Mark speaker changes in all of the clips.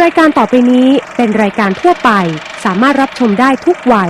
Speaker 1: ายการต่อไปนี้เป็นรายการทั่วไปสามารถรับชมได้ทุกวัย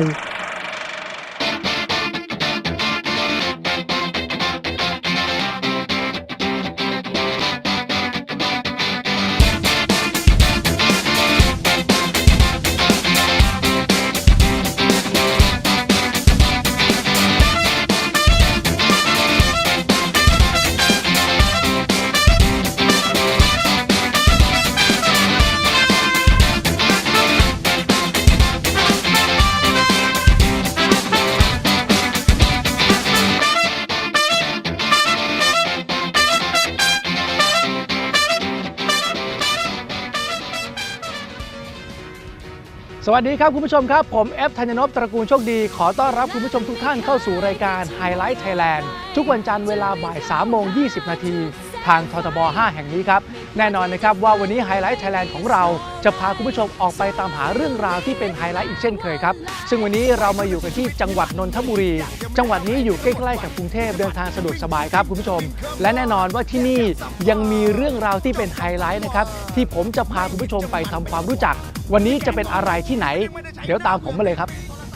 Speaker 2: สวัสดีครับคุณผู้ชมครับผมเอฟธัญนพตระกูลโชคดีขอต้อนรับคุณผู้ชมทุกท่านเข้าสู่รายการ Highlight Thailand ทุกวันจันทร์เวลาบ่าย 3:20 นาทีทางททบ 5 แห่งนี้ครับแน่นอนนะครับว่าวันนี้ Highlight Thailand ของเราจะพาคุณผู้ชมออกไปตามหาเรื่องราวที่เป็นไฮไลท์อีกเช่นเคยครับซึ่งวันนี้เรามาอยู่กันที่จังหวัดนนทบุรีจังหวัดนี้อยู่ใกล้ๆกับกรุงเทพเดินทางสะดวกสบายครับคุณผู้ชมและแน่นอนว่าที่นี่ยังมีเรื่องราวที่เป็นไฮไลท์นะครับที่ผมจะพาคุณผู้ชมไปทำความรู้จักวันนี้จะเป็นอะไรที่ไหนเดี๋ยวตามผมมาเลยครับ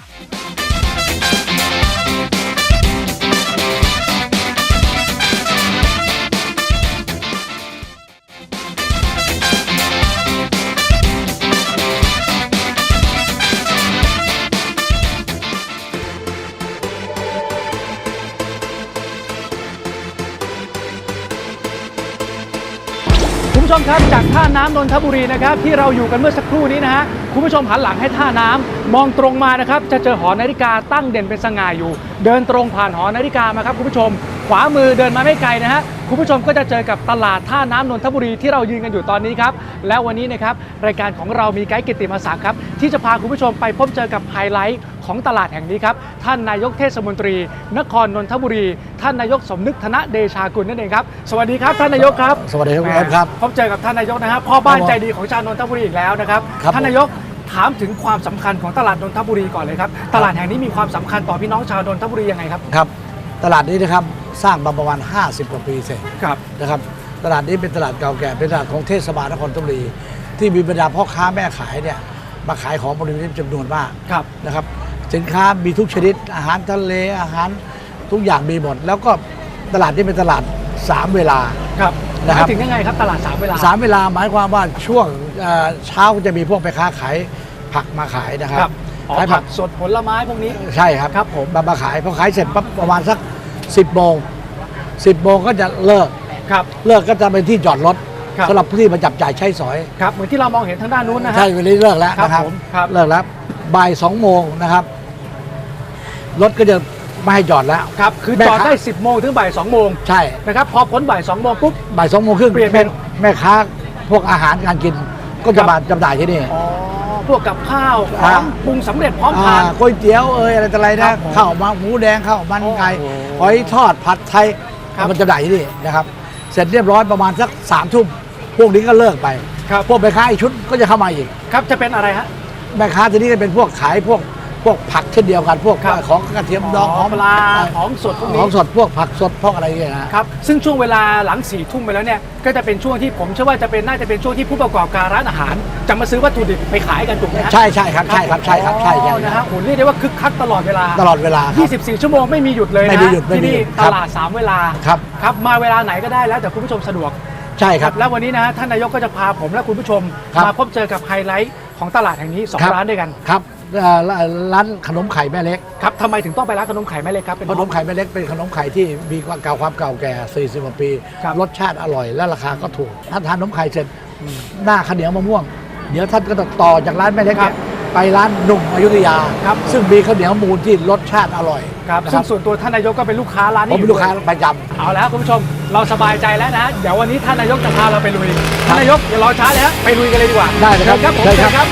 Speaker 2: คุณผู้ชมครับจากท่าน้ำนนทบุรีนะครับที่เราอยู่กันเมื่อสักครู่นี้นะฮะคุณผู้ชมหันหลังให้ท่าน้ำมองตรงมานะครับจะเจอหอนาฬิกาตั้งเด่นเป็นสง่าอยู่เดินตรงผ่านหอนาฬิกามาครับคุณผู้ชมขวามือเดินมาไม่ไกลนะฮะคุณผู้ชมก็จะเจอกับตลาดท่าน้ำนนทบุรีที่เรายืนกันอยู่ตอนนี้ครับและวันนี้นะครับรายการของเรามีไกด์กิตติมศักดิ์ครับที่จะพาคุณผู้ชมไปพบเจอกับไฮไลท์ของตลาดแห่งนี้ครับท่านนายกเทศมนตรีนครนนทบุรีท่านนายกสมนึกธนเดชากุลนั่นเองครับสวัสดีครับท่านนายกครับ
Speaker 3: สวัสดีครับคุณแอฟครับ
Speaker 2: พบเจอกับท่านนายกนะครับพ่อบ้านใจดีของชาวนนทบุรีอีกแล้วนะครับท่านนายกถามถึงความสำคัญของตลาดนนทบุรีก่อนเลยครับตลาดแห่งนี้มีความสำคัญต่อพี่น้องชาวนนทบุรียังไงครับ
Speaker 3: ครับตลาดนี้นะครับสร้างมาประมาณ50 กว่าปีเสร็จ
Speaker 2: ครับ
Speaker 3: นะครับตลาดนี้เป็นตลาดเก่าแก่เป็นตลาดของเทศบาลนครนนทบุรีที่มีบรรดาพ่อค้าแม่ขายเนี่ยมาขายของบริเวณจำนวนมากนะครับสินค้ามีทุกชนิดอาหารทะเลอาหารทุกอย่างมีหมดแล้วก็ตลาดนี้เป็นตลาด3เวลา
Speaker 2: ครับนะครับถึงยังไงครับตลาด3เวลา
Speaker 3: 3เวลาหมายความว่าช่วงเช้าจะมีพวกแม่ค้าขายผักมาขายนะครับ
Speaker 2: ขายผักสดผลไม้พวกนี้
Speaker 3: ใช่ครับ
Speaker 2: ครับผม
Speaker 3: มาขายพอขายเสร็จปั๊บประมาณสัก10 โมงก็จะเลิกเลิกก็จะเป็นที่จอดรถสำหรับผู้ที่มาจับจ่ายใช้สอย
Speaker 2: ครับเหมือนที่เรามองเห็นทางด้านนู้นนะฮะ
Speaker 3: ใช่วันนี้เลิกแล้วนะครับเลิกแล้วบ่าย 2 โมงนะครับรถก็จะไม่ให้จอดแล้ว
Speaker 2: ครับคือจอดได้10 โมงถึงบ่าย 2 โมง
Speaker 3: ใช่
Speaker 2: นะครับพอพ้นบ่าย 2 โมงปุ๊บ
Speaker 3: บ่าย 2 โมงครึ่งเปลี่ยนเป็นแม่ค้าพวกอาหารการกินก็จะมาจำหน่ายที่นี่
Speaker 2: พวกกับข้าวของปรุงสำเร็จพร้อมทาน
Speaker 3: ก๋วยเตี๋ยวอะไรต่ออะไรนะข้าวหมูแดงข้าวมันไก่หอยทอดผัดไทยมันจำหน่ายที่นี่นะครับเสร็จเรียบร้อยประมาณสัก3 ทุ่มพวกนี้ก็เลิกไปพวกแม่ค้าอีกชุดก็จะเข้ามาอีก
Speaker 2: ครับจะเป็นอะไรฮะ
Speaker 3: แม่ค้าทีนี้ก็เป็นพวกขายพวกผักเช่นเดียวกันพวกของกระเทียมดอง
Speaker 2: ของปลาของสดพวกนี้
Speaker 3: ของสดพวกผักสดพวกอะไรอย่างเงี้ย
Speaker 2: นะครับซึ่งช่วงเวลาหลัง4 ทุ่มไปแล้วเนี่ยก็จะเป็นช่วงที่ผมเชื่อว่าน่าจะเป็นช่วงที่ผู้ประกอบการร้านอาหารจะมาซื้อวัตถุดิบไปขายกันถูกไหม
Speaker 3: ใช่ครับใช่
Speaker 2: นะฮะโหเรียกได้ว่าคึกคักตลอดเวลา24 ชั่วโมงไม่มีหยุดเลยนะที่นี่ตลาด3เวลาครับมาเวลาไหนก็ได้แล้วแต่คุณผู้ชมสะดวก
Speaker 3: ใช่ครับ
Speaker 2: แล้ววันนี้นะฮะท่านนายกก็จะพาผมและคุณผู้ชมมาพบเจอกับไฮไลท์ของตลาดแห่งนี้2 ร้านด้วยกัน
Speaker 3: ครับร้านขนมไข่แม่เล็ก
Speaker 2: ครับทำไมถึงต้องไปร้านขนมไข่แม่เล็กครับ
Speaker 3: ขนมไข่แม่เล็กเป็นขนมไข่ที่มีความเก่าแก่40 กว่าปีรสชาติอร่อยและราคาก็ถูกถ้าทานขนมไข่เสร็จหน้าข้าวเหนียวมะม่วงเดี๋ยวท่านก็ต่อจากร้านแม่เล็กไปร้านหนุ่มอยุธยาซึ่งมีข้าวเหนียวมูลที่รสชาติอร่อย
Speaker 2: ซึ่งส่วนตัวท่านนายกก็เป็นลูกค้าร้านนี้
Speaker 3: ผมเป็นลูกค้าประจำ
Speaker 2: เอาแล้วคุณผู้ชมเราสบายใจแล้วนะเดี๋ยววันนี้ท่านนายกจะพาเราไปลุยท่านนายกอย่ารอช้าเลยฮะไปลุยกันเลยดีกว่า
Speaker 3: ได้เลยครับ
Speaker 2: ผมเชิญครับ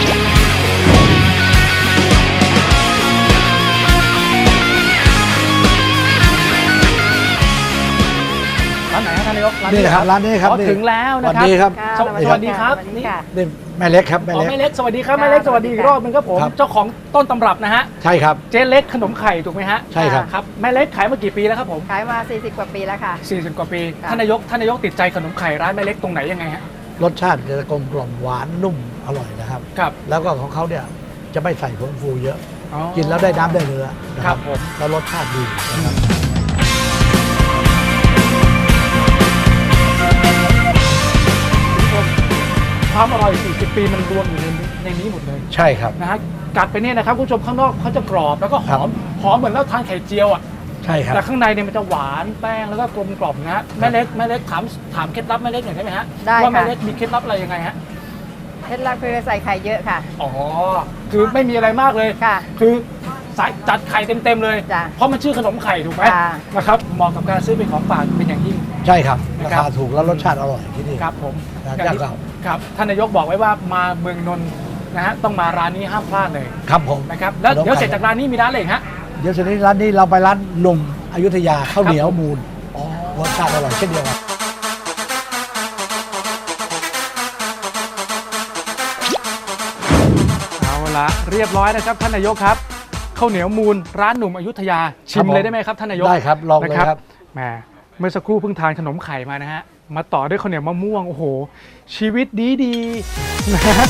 Speaker 2: ร้านไหนครับท่านนายก
Speaker 3: นี่ครับร้านนี้ครับ
Speaker 2: ถึงแล้วนะครับสวัสดีครับสวัสดีครับ
Speaker 3: นี่แม่เล็กครับแม่เล็ก
Speaker 2: สวัสดีครับแม่เล็กสวัสดีอีกรอบนึงครับผมเจ้าของต้นตำรับนะฮะ
Speaker 3: ใช่ครับ
Speaker 2: เจ๊เล็กขนมไข่ถูกไหมฮะ
Speaker 3: ใช่ครับ
Speaker 2: ครับแม่เล็กขายมากี่ปีแล้วครับผม
Speaker 4: ขายมา40 กว่าปีแล้วค่ะ
Speaker 2: 40 กว่าปีท่านนายกติดใจขนมไข่ร้านแม่เล็กตรงไหนยังไงฮะ
Speaker 3: รสชาติจะกลมกล่อมหวานนุ่มอร่อยนะครับ
Speaker 2: ครับ
Speaker 3: แล้วก็ของเขาเนี่ยจะไม่ใส่ผงฟูเยอะ
Speaker 2: อ๋อ
Speaker 3: กินแล้วได้น้ำได้เนื้อนะครับ
Speaker 2: ผม
Speaker 3: แล้วรสชาติดีนะครับ
Speaker 2: ความอร่อย 40 ปีมันรวมอยู่ในนี้หมดเลย
Speaker 3: ใช่ครับ
Speaker 2: นะฮะกัดไปเนี่ยนะครับคุณผู้ชมข้างนอกเขาจะกรอบแล้วก็ห
Speaker 3: ครั
Speaker 2: อบ มหอมเหมือนเราทานไข่เจียวอ่ะ
Speaker 3: ใช่ครับ
Speaker 2: แต่ข้างในเนี่ยมันจะหวานแป้งแล้วก็กลมกล่อมนะฮะแม่เล็กถามเคล็ดลับแม่เล็กหน่อยได้ไหมฮะ
Speaker 4: ได้
Speaker 2: ว่าแม่
Speaker 4: ค่ะ
Speaker 2: เล็กมีเคล็ดลับอะไรยังไงฮะ
Speaker 4: เคล็ดลับคือใส่ไข่เยอะค่ะ
Speaker 2: อ๋อคือไม่มีอะไรมากเลย
Speaker 4: ค่ะ
Speaker 2: คือใส่จัดไข่เต็มๆเลย
Speaker 4: จ้ะ
Speaker 2: เพราะมันชื่อขนมไข่ถูกไหม
Speaker 4: ค่ะ
Speaker 2: นะครับเหมาะกับการซื้อเป็นของฝากเป็นอย่างยิ่ง
Speaker 3: ใช่ครับ
Speaker 2: นะ
Speaker 3: รา
Speaker 2: ครับ
Speaker 3: คาถูกแล้วรสชาติอร่อยที่นี่
Speaker 2: ครับผม
Speaker 3: ร้าน
Speaker 2: อย่างที่
Speaker 3: เจ้าเก่า
Speaker 2: ครับท่านนายกบอกไว้ว่ามาเมืองนนท์นะฮะต้องมาร้านนี้ห้ามพลาดเลย
Speaker 3: ครับผม
Speaker 2: นะครับแล้วเดี๋ยวเสร็จจากร้านนี้มีร้านอะไรอีกฮะ
Speaker 3: เดี๋ยวเสร็จนี้ร้านนี้เราไปร้านหนุ่มอยุธยาข้าวเหนียวมูล
Speaker 2: อ๋อ
Speaker 3: รสชาติอร่อยเช่นเดียวกัน
Speaker 2: เอาละเรียบร้อยนะครับท่านนายกครับข้าวเหนียวมูลร้านหนุ่มอยุธยาชิมเลยได้ไหมครับท่านนายก
Speaker 3: ได้ครับลองเลย
Speaker 2: นะครับ แหมเมื่อสักครู่เพิ่งทานขนมไข่มานะฮะมาต่อด้วยข้าวเหนียวมะม่วงโอ้โหชีวิตดีๆนะฮะ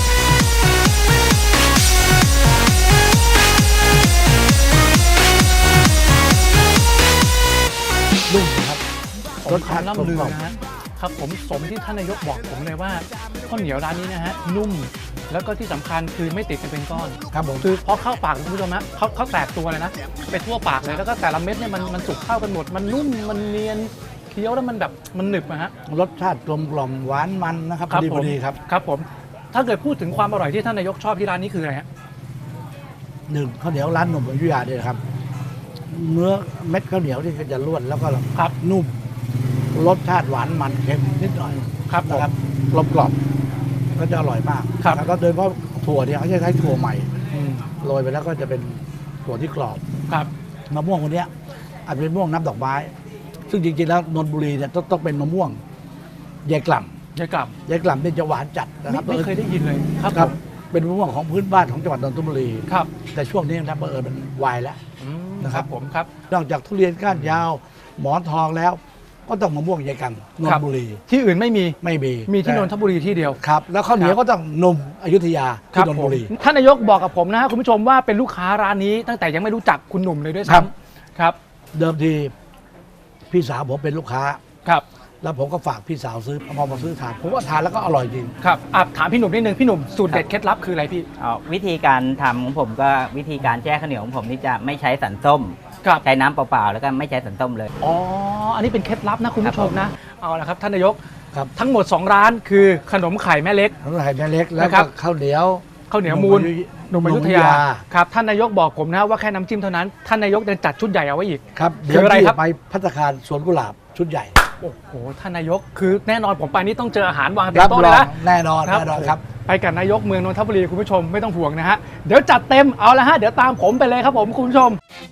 Speaker 3: นุ่มนะครับ
Speaker 2: รสชาติล่ำลือนะฮะครับผมสมที่ท่านนายกบอกผมเลยว่าข้าวเหนียวร้านนี้นะฮะนุ่มแล้วก็ที่สำคัญคือไม่ติดกันเป็นก้อน
Speaker 3: ครับผม
Speaker 2: คือพอเข้าปากคุณผู้ชมฮะเขาแตกตัวเลยนะไปทั่วปากเลยแล้วก็แต่ละเม็ดเนี่ยมันสุกเข้ากันหมดมันนุ่มมันเนียนเคี้ยวแล้วมันแบบมันหนึบนะฮะ
Speaker 3: รสชาติกลมกล่อมหวานมันนะครับพ
Speaker 2: ครั
Speaker 3: อดี
Speaker 2: ผ
Speaker 3: พอ
Speaker 2: ม
Speaker 3: ดีครับ
Speaker 2: ครับผมถ้าเกิดพูดถึงความอร่อยที่ท่านนายกชอบที่ร้านนี้คืออะไรฮะ
Speaker 3: หนึ่งข้าวเหนียวร้านหนุ่มอยุธยาเนี่ยนะครับเนื้อเม็ดข้าวเหนียวที่จะร่วนแล้วก็
Speaker 2: ครับ
Speaker 3: นุ่มรสชาติหวานมันเค็มนิดหน่อย
Speaker 2: ครับผม
Speaker 3: นะครับกลมกล่อมก็จะอร่อยมาก
Speaker 2: ครับ
Speaker 3: แล้วก็โดยเฉพาะถั่วเนี่ยเขาจะใช้ถั่วใหม่
Speaker 2: อืม
Speaker 3: โรยไปแล้วก็จะเป็นถั่วที่กรอบ
Speaker 2: ครับ
Speaker 3: มะม่วงคนเนี้ยอาจจะเป็นมะม่วงน้ำดอกไม้ ซึ่งจริงๆแล้วนนทบุรีเนี่ยต้องเป็นมะม่วงยายกล่
Speaker 2: ยายกลับ
Speaker 3: ำยายกล่ำเนี่ยจะหวานจัดนะครับ
Speaker 2: ไม่เคยได้ยินเลยครับ
Speaker 3: ครับ
Speaker 2: ผม
Speaker 3: เป็นมะม่วงของพื้นบ้านของจังหวัดนนทบุรี
Speaker 2: ครับ
Speaker 3: แต่ช่วงนี้นะบังเอิญมันวายแล้ว
Speaker 2: อืม
Speaker 3: นะครับ
Speaker 2: ผมครับ
Speaker 3: นอกจากทุเรียนก้านยาว หมอนทองแล้ว ก็ต้องมะม่วงยายกล่ำนน
Speaker 2: ครั
Speaker 3: ท
Speaker 2: บ
Speaker 3: บุรี
Speaker 2: ที่อื่นไม่มี
Speaker 3: ไม่มี
Speaker 2: มีที่นนท
Speaker 3: แต่
Speaker 2: บุรีที่เดียว
Speaker 3: ครับ แล้วข้าวเหนียวก็ต้องนมอยุธยา
Speaker 2: ครั
Speaker 3: ที่นนท
Speaker 2: ผ
Speaker 3: บุ
Speaker 2: ม
Speaker 3: รี
Speaker 2: ท่านนายกบอกกับผมนะฮะคุณผู้ชมว่าเป็นลูกค้าร้านนี้ตั้งแต่ยังไม่รู้จักคุณหนุ่มเลยด้วย
Speaker 3: ครับ
Speaker 2: ซ้ำครับ
Speaker 3: เดิมทีพี่สาวผมเป็นลูกค้า
Speaker 2: ครับ
Speaker 3: แล้วผมก็ฝากพี่สาวซื้อพอมาซื้อทานผมว่าทานแล้วก็อร่อยจริง
Speaker 2: ครับถามพี่หนุ่มนิดนึงพี่หนุ่มสูตรเด็ดเคล็ดลับคืออะไรพี่
Speaker 5: วิธีการทำของผมก็วิธีการแช่ข้าวเหนียวของผมนี่จะไม่ใช้สันส้ม
Speaker 2: ครับ
Speaker 5: ใช้น้ำเปล่าๆแล้วก็ไม่ใช้สันส้มเลย
Speaker 2: อ๋ออันนี้เป็นเคล็ดลับนะคุณผู้ชมนะเอาละครับท่านนายก
Speaker 3: ครับ
Speaker 2: ทั้งหมด 2 ร้านคือขนมไข่แม่เล็ก
Speaker 3: ขนมไข่แม่เล็กแล้ว
Speaker 2: นะครั
Speaker 3: ก็
Speaker 2: บ
Speaker 3: ข้าวเหนียว
Speaker 2: ข้าวเหนียวมูลหนุ่มอยุธยาครับท่านนายกบอกผมนะว่าแค่น้ำจิ้มเท่านั้นท่านนายกยังจัดชุดใหญ่เอาไว้อีก
Speaker 3: ครับ
Speaker 2: คือ
Speaker 3: เดี๋ยว
Speaker 2: อะไร
Speaker 3: พี่
Speaker 2: ครับ
Speaker 3: ไปพัตตาคารสวนกุหลาบชุดใหญ่
Speaker 2: โอ้โหท่านนายกคือแน่นอนผมไปนี่ต้องเจออาหารวางเต็
Speaker 3: รั
Speaker 2: ม
Speaker 3: บ
Speaker 2: โต๊ะ
Speaker 3: ร
Speaker 2: เล
Speaker 3: อย ง
Speaker 2: นะ
Speaker 3: แน่นอนแน่นอนครับ
Speaker 2: ไปกับนายกเมืองนนทบุรีคุณผู้ชมไม่ต้องห่วงนะฮะเดี๋ยวจัดเต็มเอาละฮะเดี๋ยวตามผมไปเลยครับผมคุณผู้ชม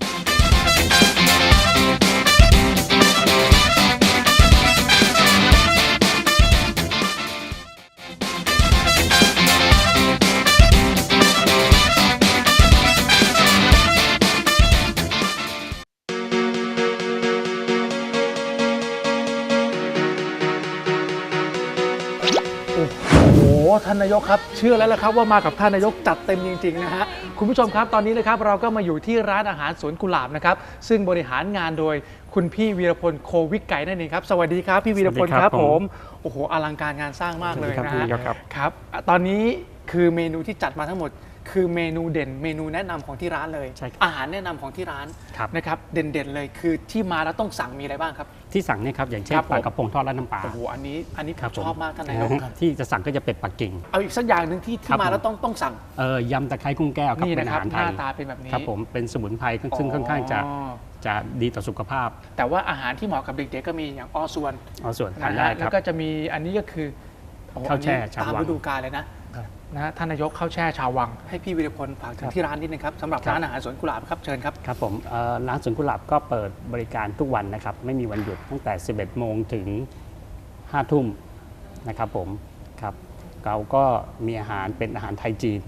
Speaker 2: โอ้โหท่านนายกครับเชื่อแล้วละครับว่ามากับท่านนายกจัดเต็มจริงๆนะฮะคุณผู้ชมครับตอนนี้นะครับเราก็มาอยู่ที่ร้านอาหารสวนกุหลาบนะครับซึ่งบริหารงานโดยคุณพี่วีรพลโควิกไก่นั่นเองครับสวัสดีครับพี่วีรพล
Speaker 6: สวัสดี
Speaker 2: ค
Speaker 6: ครั
Speaker 2: รับบ ผมโอ้โหอลังการงานสร้างมากเลย
Speaker 6: สวัส
Speaker 2: นะ
Speaker 6: ดี
Speaker 2: ฮะ
Speaker 6: ครับ
Speaker 2: ครับตอนนี้คือเมนูที่จัดมาทั้งหมด คือเมนูเด่นเมนูแนะนำของที่ร้านเลย
Speaker 6: ใช่ครับ
Speaker 2: อาหารแนะนำของที่ร้าน
Speaker 6: ครับ
Speaker 2: นะครับเด่นๆเลยคือที่มาแล้วต้องสั่งมีอะไรบ้างครับ
Speaker 6: ที่สั่งเนี่ยครับอย่างเช่น
Speaker 2: ครับผม
Speaker 6: ปลากระพงทอดราดน้ำปลา
Speaker 2: โอ้โหอันนี้ผ
Speaker 6: ครับ
Speaker 2: มชอบมากท่านนายกครับ
Speaker 6: ที่จะสั่งก็จะเป็ดปักกิ่ง
Speaker 2: เอาอีกสักอย่างหนึ่งที่
Speaker 6: ครับ
Speaker 2: มาแล้ว
Speaker 6: ผม
Speaker 2: ต้องสั่ง
Speaker 6: ยำตะไคร้กุ้งแก้วครับ
Speaker 2: นี่
Speaker 6: เป็น
Speaker 2: นะ
Speaker 6: อา
Speaker 2: ครับ
Speaker 6: หาร
Speaker 2: ห
Speaker 6: ไท
Speaker 2: น้าย ตาเป็นแบบนี้
Speaker 6: ครับผมเป็นสมุนไพรซึ่งค่อนข้างจะดีต่อสุขภาพ
Speaker 2: แต่ว่าอาหารที่เหมาะกับเด็กๆก็มีอย่างอส่วน
Speaker 6: เอาส่วนทาน
Speaker 2: นะ
Speaker 6: ได้
Speaker 2: ฮะ
Speaker 6: ค
Speaker 2: แล้
Speaker 6: รับ
Speaker 2: วก็จะมีอันนี้ก็คือโอ้โห
Speaker 6: ข้าวแช่
Speaker 2: อันนี้
Speaker 6: ชาว
Speaker 2: ตาม
Speaker 6: วัง
Speaker 2: ฤดูกาลเลยนะนะฮะท่านนายกข้าวแช่ชาววังให้พี่วิรพลฝากถึงที่ร้านนิดนึงครับสำหรับ
Speaker 6: ครับ
Speaker 2: ร้านอาหารสวนกุหลาบครับเชิญครับ
Speaker 6: ครับผมร้านสวนกุหลาบก็เปิดบริการทุกวันนะครับไม่มีวันหยุดตั้งแต่ 11 โมงถึง 5 ทุ่มนะครับผมครับเราก็มีอาหารเป็นอาหารไทยจีน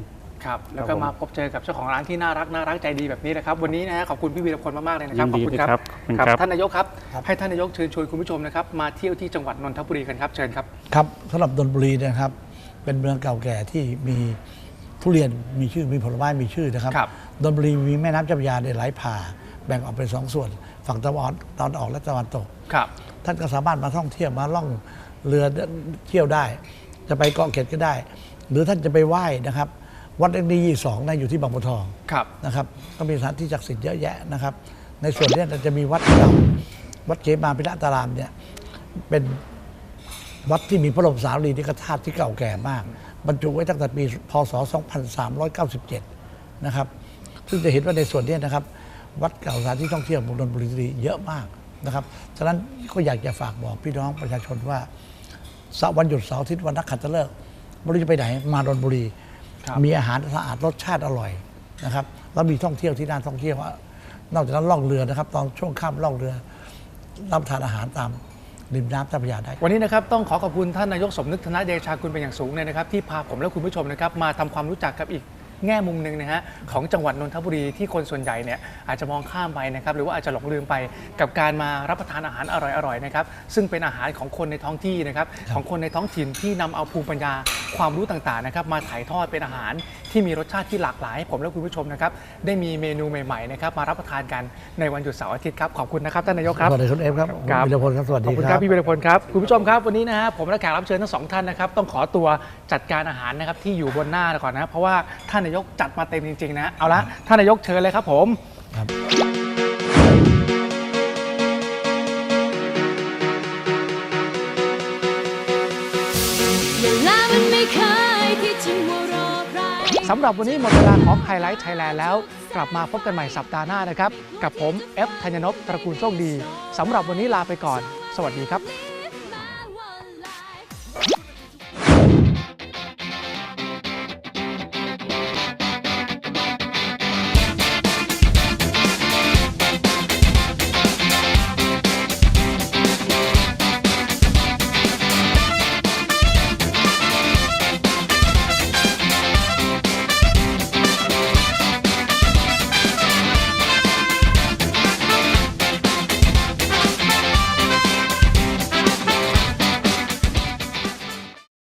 Speaker 2: ครับแล้วก็
Speaker 6: ครับผม
Speaker 2: มาพบเจอกับเจ้าของร้านที่น่ารักใจดีแบบนี้นะครับวันนี้นะฮะขอบคุณพี่วีรพลมากๆเลยนะครับ
Speaker 6: ยินดี
Speaker 2: ขอบคุณ
Speaker 6: นะครับขอบคุณครับ
Speaker 2: ท่านนายกครับให้ท่านนายกเชิญชวนคุณผู้ชมนะครับมาเที่ยวที่จังหวัดนนทบุรีกันครับเชิญครับ
Speaker 3: ครับสำหรับนนทบุรีเนะครับเป็นเมืองเก่าแก่ที่มีทุเรียนมีชื่อมีผลไม้มีชื่อนะครับ
Speaker 2: ครับ
Speaker 3: นนทบุรีมีแม่น้ำเจ้าพระยาเนี่ยไหลผ่าแบ่งออกเป็น2 ส่วนฝั่งตะวันออกและตะวันตก
Speaker 2: ครับ
Speaker 3: ท่านก็สามารถมาท่องเที่ยวมาล่องเรือเที่ยวได้ จะไปเกาะเกร็ดก็ได้ หรือท่านจะไปไหว้นะครับวัดเอ็กดี2นะอยู่ที่บางบัวทอง
Speaker 2: ครับ
Speaker 3: นะครับก็มีสถานที่ศักดิ์สิทธิ์เยอะแยะนะครับในส่วนนี้จะมีวัดเก่าวัดเขมาพิระตารามเนี่ยเป็นวัดที่มีพระบรมสารีริกธาตุที่เก่าแก่มาก บรรจุไว้ตั้งแต่ปีพศ 2397 นะครับซึ่งจะเห็นว่าในส่วนนี้นะครับวัดเก่าสถานที่ท่องเที่ยวของนนทบุรีเยอะมากนะครับฉะนั้นก็อยากจะฝากบอกพี่น้องประชาชนว่าวันหยุดเสาร์อาทิตย์วันนักขัตฤกษ์ไม่รู้จะไปไหนมานนทบุรี
Speaker 2: ครับ
Speaker 3: มีอาหารสะอาดรสชาติอร่อยนะครับแล้วมีท่องเที่ยวที่น่าท่องเที่ยวนอกจากนั้นล่องเรือนะครับตอนช่วงค่ำล่องเรือรับประทานอาหารตามริมน้ำเจ้าพระยาได้
Speaker 2: วันนี้นะครับต้องขอบคุณท่านนายกสมนึกธนเดชากุลเป็นอย่างสูงเลยนะครับที่พาผมและคุณผู้ชมนะครับมาทำความรู้จักกับอีกแง่มุมหนึ่งนะฮะของจังหวัดนนทบุรีที่คนส่วนใหญ่เนี่ยอาจจะมองข้ามไปนะครับหรือว่าอาจจะหลงลืมไปกับการมารับประทานอาหารอร่อยๆนะครับซึ่งเป็นอาหารของคนในท้องที่นะครับของคนในท้องถิ่นที่นำเอาภูมิปัญญาความรู้ต่างๆนะครับมาถ่ายทอดเป็นอาหารที่มีรสชาติที่หลากหลายให้ผมและคุณผู้ชมนะครับได้มีเมนูใหม่ๆนะครับมารับประทานกันในวันหยุดเสาร์อาทิตย์ครับขอบคุณนะครับท่านนายกครับ
Speaker 3: สวัสดีคุณเอฟครับ
Speaker 2: ครับ
Speaker 3: วิรพลครับสวัส
Speaker 2: ข
Speaker 3: ดี
Speaker 2: อบคุณ
Speaker 3: ค
Speaker 2: ค
Speaker 3: รั
Speaker 2: รับ บพี่วีรพลครับคุณผู้ชมครับวันนี้นะฮะผมและแขกรับเชิญทั้ง2ท่านนะครับต้องขอตัวจัดการอาหารนะครับที่อยู่บนหน้าก่อนนะเพราะว่าท่านนายกจัดมาเต็มจริงๆนะเอาละท่านนายกเชิญเลยครับผม
Speaker 3: ครับ
Speaker 7: เวลามันไม่เคยที่จะมัวรอใคร
Speaker 2: สำหรับวันนี้หมดเวลาของไฮไลท์ไทยแลนด์แล้วกลับมาพบกันใหม่สัปดาห์หน้านะครับกับผมเอฟธัญญนพตระกูลโชคดีสำหรับวันนี้ลาไปก่อนสวัสดีครับ